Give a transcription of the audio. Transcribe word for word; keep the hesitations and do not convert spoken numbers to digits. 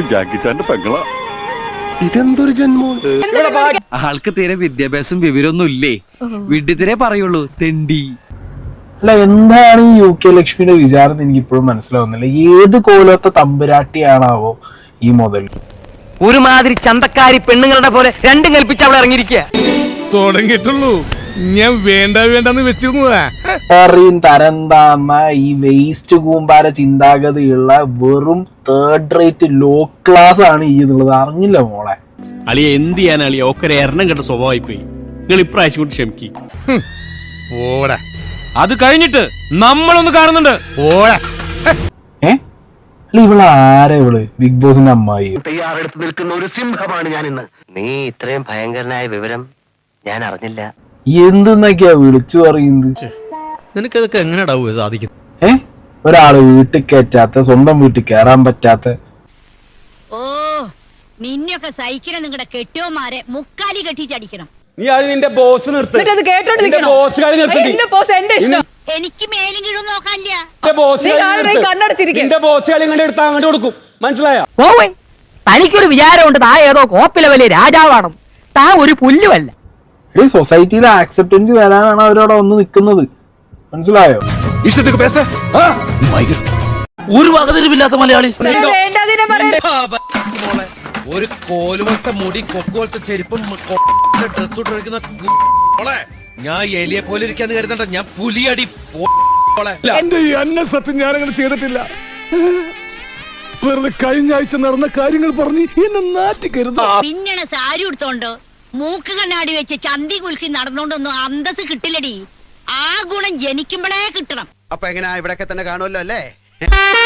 ജാക്കിച്ചാന്റെ പെങ്ങള. ഇതെന്തൊരു ജന്മോ? ആൾക്ക് തീരെ വിദ്യാഭ്യാസം വിവരമൊന്നും ഇല്ലേ, വിഡ്ഢിത്തിരെ പറയുള്ളൂ, തെണ്ടി. അല്ല, എന്താണ് ഈ യു കെ ലക്ഷ്മിയുടെ വിചാരം എനിക്ക് ഇപ്പോഴും മനസ്സിലാവുന്നില്ല. ഏത് കോലത്തെ തമ്പുരാട്ടിയാണാവോ ഈ മുതൽ? ഒരുമാതിരി ചന്തക്കാരി പെണ്ണുങ്ങളുടെ പോലെ രണ്ടും കൽപ്പിച്ച് അവൾ ഇറങ്ങിയിരിക്കുക. തുടങ്ങിയിട്ടുള്ളൂ, ഞാൻ വേണ്ട വേണ്ടെന്ന് വെച്ചിരുന്നതാ. അറിയും തരം താന്ന ഈ വേസ്റ്റ് കൂമ്പാര ചിന്താഗതിയുള്ള വെറും തേർഡ് റേറ്റ് ലോ ക്ലാസ് ആണ് ഈ എന്നുള്ളത് അറിഞ്ഞില്ല മോളെ. അളിയ എന്ത് ചെയ്യാൻ അളിയ, ഒക്കെ എണ്ണം കെട്ട സ്വഭാവമായി പോയി. നിങ്ങൾ ഇപ്രാവശ്യം കൊണ്ട് ക്ഷമിക്കും. ഓടാ, അത് കഴിഞ്ഞിട്ട് നമ്മളൊന്ന് കാണുന്നുണ്ട്. ഓടാ. ഏ അല്ല, ഇവള് ആരാ ഇവള്? ബിഗ് ബോസിന്റെ അമ്മായി. തയ്യാറെടുത്ത് നിൽക്കുന്ന ഒരു സിംഹമാണ് ഞാൻ ഇന്ന്. നീ ഇത്രയും ഭയങ്കരനായ വിവരം ഞാൻ അറിഞ്ഞില്ല. എന്തെന്നൊക്കെയാ വിളിച്ചു പറയുന്നത്? നിനക്കതൊക്കെ എങ്ങനെയാ സാധിക്കുന്നത്? ഏ ഒരാള് വീട്ടിൽ കയറ്റാത്ത, സ്വന്തം വീട്ടിൽ കയറാൻ പറ്റാത്ത. ഓ, നിന്നൊക്കെ സഹിക്കണം. നിങ്ങളുടെ കെട്ടിയോമാരെ മുക്കാലി കെട്ടിച്ചടിക്കണം. നീ അത് നിന്റെ ബോസ് നിർത്തി. എനിക്ക് മേലും കീഴും നോക്കാനില്ല. മനസ്സിലായോ? പോവേ, തനിക്കൊരു വിചാരമുണ്ട് താ ഏതോ കോപ്പിലെ വലിയ രാജാവാണ്. താ ഒരു പുല്ലുമല്ല. ഈ സൊസൈറ്റിയിലെ ആക്സെപ്റ്റൻസ് വരാനാണ് അവരവിടെ വന്ന് നിൽക്കുന്നത്. മനസ്സിലായോ? ഒരു വകതിരിവില്ലാത്ത മലയാളി. ഒരു കോലുമത്തെ മുടി, കൊക്കോലത്തെ ചെരുപ്പും ഡ്രസ് ഇട്ടിരിക്കുന്ന ഞാൻ എലിയെ പോലെ ഇരിക്കാന്ന് കരുതണ്ട, ഞാൻ പുലിയടി. എന്റെ ഈ അന്ന സത്യം ഞാനങ്ങനെ ചെയ്തിട്ടില്ല. വെറുതെ കഴിഞ്ഞ ആഴ്ച നടന്ന കാര്യങ്ങൾ പറഞ്ഞ് എന്നെ നാറ്റിക്കരുത്. പിന്നണ സാരി എടുത്തോണ്ട് മൂക്ക് കണ്ണാടി വെച്ച് ചന്തി കുലുക്കി നടന്നോണ്ടൊന്നും അന്തസ് കിട്ടില്ലടി. ആ ഗുണം ജനിക്കുമ്പോഴേ കിട്ടണം. അപ്പൊ എങ്ങനെയാ, ഇവിടൊക്കെ തന്നെ കാണുമല്ലോ അല്ലേ?